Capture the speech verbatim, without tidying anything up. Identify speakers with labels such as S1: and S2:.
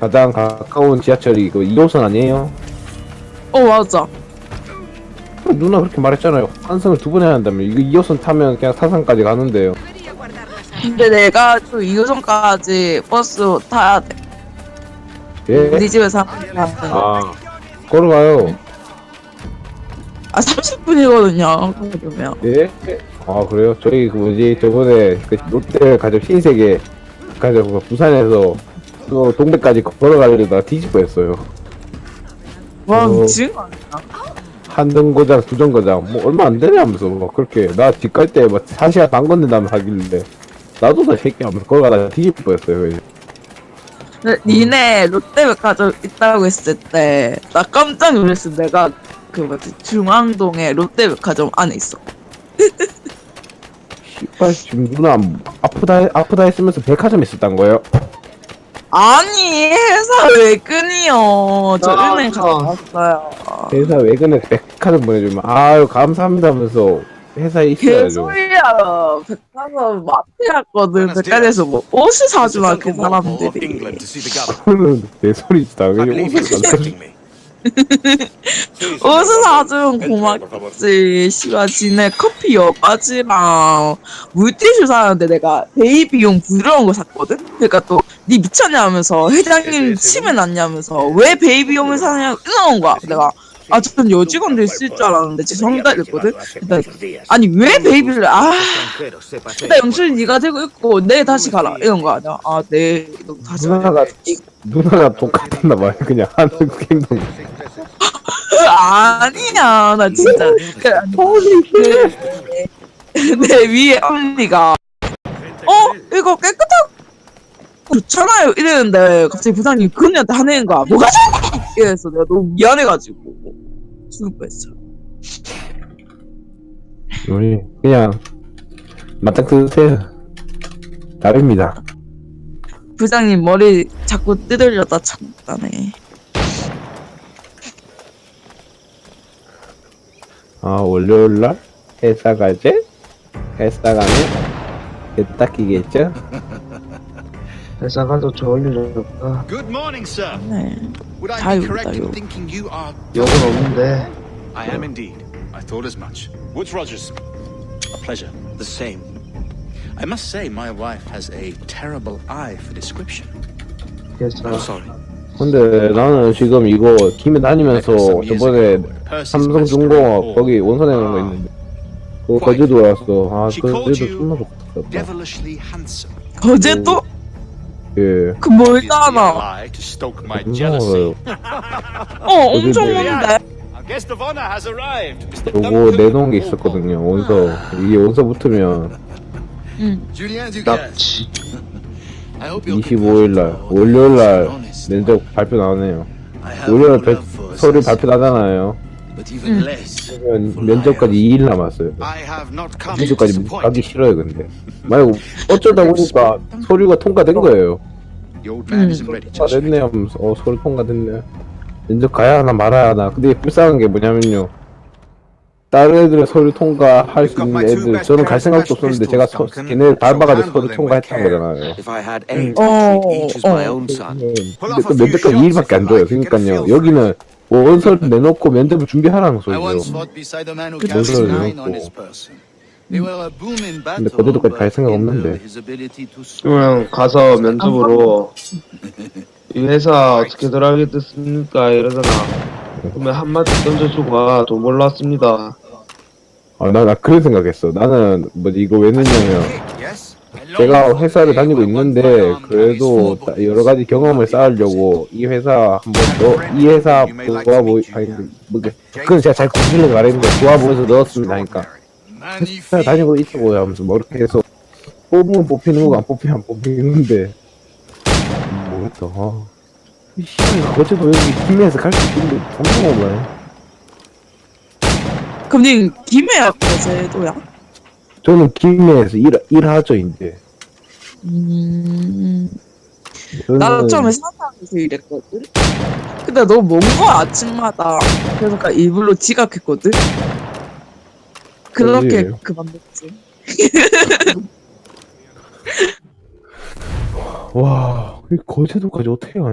S1: 가장 가까운 지하철이 그 이 호선 아니에요?
S2: 어 맞아.
S1: 누나 그렇게 말했잖아요. 환승을 두 번 해야 한다면 이거 이 호선 타면 그냥 사상까지 가는데요.
S2: 근데 내가 또 이 호선까지 버스 타야 돼.
S1: 예?
S2: 우리 집에서 한
S1: 아, 걸어가요.
S2: 아 삼십 분이거든요. 그러면.
S1: 예? 아 그래요? 저희 그 뭐지 저번에 그 롯데 가족 흰색에 가족 그 부산에서 또 동백까지 걸어가려다가 뒤집어했어요.
S2: 와
S1: 어.
S2: 미친 거 아니야?
S1: 한 정거장 두 정거장 뭐 얼마 안 되냐면서 막 그렇게 나 집 갈 때 막 한 시간 반 걷는다면 하길래 나도 다 새끼 하면서 걸어가다가 뒤집어했어요.
S2: 근데 니네 롯데백화점 있다고 했을 때 나 깜짝 놀랐어. 내가 그 뭐지 중앙동에 롯데백화점 안에 있어.
S1: 씨발 지금 누나 아프다 아프다 했으면서 백화점 있었단 거예요?
S2: 아니 회사 외근이요. 저
S3: 아,
S2: 은행 갔다 왔어요.
S1: 회사 외근에 백화점 보내주면 아유 감사합니다 하면서 회사에 있어야죠.
S2: 개소리야. 백화점 마트 갔거든. 백화점에서 뭐 옷을 사주나 그 사람들이.
S1: 그거는 내 소리지 당연히 옷을 사.
S2: 옷을 사주면 고맙지. 씨발 지네 커피 여바지랑 물티슈 사는데 내가 베이비용 부드러운 거 샀거든. 그러니까 또 니 미쳤냐면서 회장님 치매 났냐면서 왜 베이비용을 사냐 이러는 거야. 내가 아 전 여직원들 쓸 줄 알았는데 죄송합니다 이랬거든. 일단 아니 왜 베이비를 아 일단 영철이 네가 들고 있고 내일 다시 가라 이런 거 아니야. 아네 너 다시 가라.
S1: 누나가 누나가 똑같았나 봐요. 그냥 하는 그 행동.
S2: 아니야 나 진짜 그내 위에 언니가 어 이거 깨끗하고 좋잖아요 이랬는데 갑자기 부장님이 그 언니한테 화내는 거야. 뭐가 좋아 이래서 내가 너무 미안해가지고 죽을 뻔했어.
S1: 우리 그냥 맞짱 뜨세요. 답입니다.
S2: 부장님 머리 자꾸 뜯으려다 참다네.
S1: 아 월요일날 회사 가지? 회사 가면 딱 끼겠죠?
S3: 회사 가도 좋을 일 없다.
S4: Good morning, sir.
S2: 네.
S4: Would I
S2: 자유,
S4: be correct
S2: 자유.
S4: in thinking you are?
S3: 욕은 없는데.
S4: I am indeed. I thought as much. Woods Rogers. A pleasure. The same. I must say, my wife has a terrible eye for description.
S3: 회사
S4: I'm sorry.
S1: 근데 나는 지금 이거 김에 다니면서 저번에 삼성중공업 거기 원산에 있는 거 있는데 그거 거제도 왔어. 아
S4: She
S1: 그래도
S4: called you
S1: 존나 좋겠다.
S4: devilishly handsome.
S2: 어제 또?
S1: 예.
S2: 그
S4: Obviously a
S2: 멀잖아.
S4: lie to stoke my jealousy.
S1: 고마워요.
S2: 어 엄청
S1: 어제
S2: 먼데?
S4: Our guest of honor has arrived. Mister
S1: 요거
S4: Duncan
S1: 내놓은 게
S4: Walpole.
S1: 있었거든요. 원서 이게 원서 붙으면
S2: 응.
S4: Julien Dugas.
S3: 납치.
S4: I hope you're
S1: 이십오일날 월요일날 면접 발표 나오네요. 월요일 배, 서류 발표 나잖아요.
S4: But even less.
S1: 그러면 면접까지 이 일 남았어요.
S4: I have not come to
S1: 면접까지
S4: disappoint.
S1: 가기 싫어요 근데. 만약 어쩌다 보니까 서류가 통과된 거예요.
S4: The old man isn't ready just
S1: 통과됐네
S4: yet.
S1: 하면서 어 서류 통과됐네. 면접 가야 하나 말아야 하나. 근데 불쌍한 게 뭐냐면요. 다른 애들은 서류 통과할 수 있는 애들 저는 갈 생각도 없었는데 제가 서, 걔네 밟아가지고 서류 통과했던 거잖아요.
S5: If I had eight,
S2: Oh,
S5: I'd treat each as my
S2: oh.
S5: own son.
S1: 근데 그 면접까지 이 일밖에 안 줘요. 그러니까요. 여기는 원서를 내놓고 면접을 준비하라는
S4: I once
S1: 소리죠.
S4: fought beside a man who
S1: 그
S4: carried
S1: 뭔
S4: nine
S1: 소리예요,
S4: on
S1: 또.
S4: his person. They were a boom in battle,
S1: 근데 거제도까지 갈
S4: but
S1: 생각
S4: hindered
S1: 없는데.
S4: his ability to soar.
S3: 그냥 가서 면접으로 이 회사 어떻게 들어가겠습니까 이러잖아. 그러면 한마디 던져주고 아, 돈 몰랐습니다.
S1: 아, 나, 나 그런 생각했어. 나는 뭐지 이거 왜 넣냐면
S4: Yes?
S1: 제가 회사를 다니고 있는데 그래도 다- 여러 가지 경험을 쌓으려고 이 회사 한번 더 이 회사 좋아 보이 아니 뭐 그- 그건 제가 잘 구실려고 말했는데 좋아 보여서 넣었습니다 하니까 회사 다니고 있다고 하면서 뭐 이렇게 해서 뽑으면 뽑히는 거고 안 뽑히면 안 뽑히는데 모르겠다. 아. 이 씨발 거제도 여기 김해에서 갈 수 있는데 정말 뭐야.
S2: 그럼 니 김해야 거제도야?
S1: 저는 김해에서 일 일하죠 이제.
S2: 음.
S1: 저는
S2: 나도 처음에 사당에서 일했거든? 근데 너무 먼 거야, 아침마다. 그래서 그냥 일부러 지각했거든? 그렇게
S1: 어디예요?
S2: 그만뒀지.
S1: 와, 이 거제도까지 어떻게 가냐?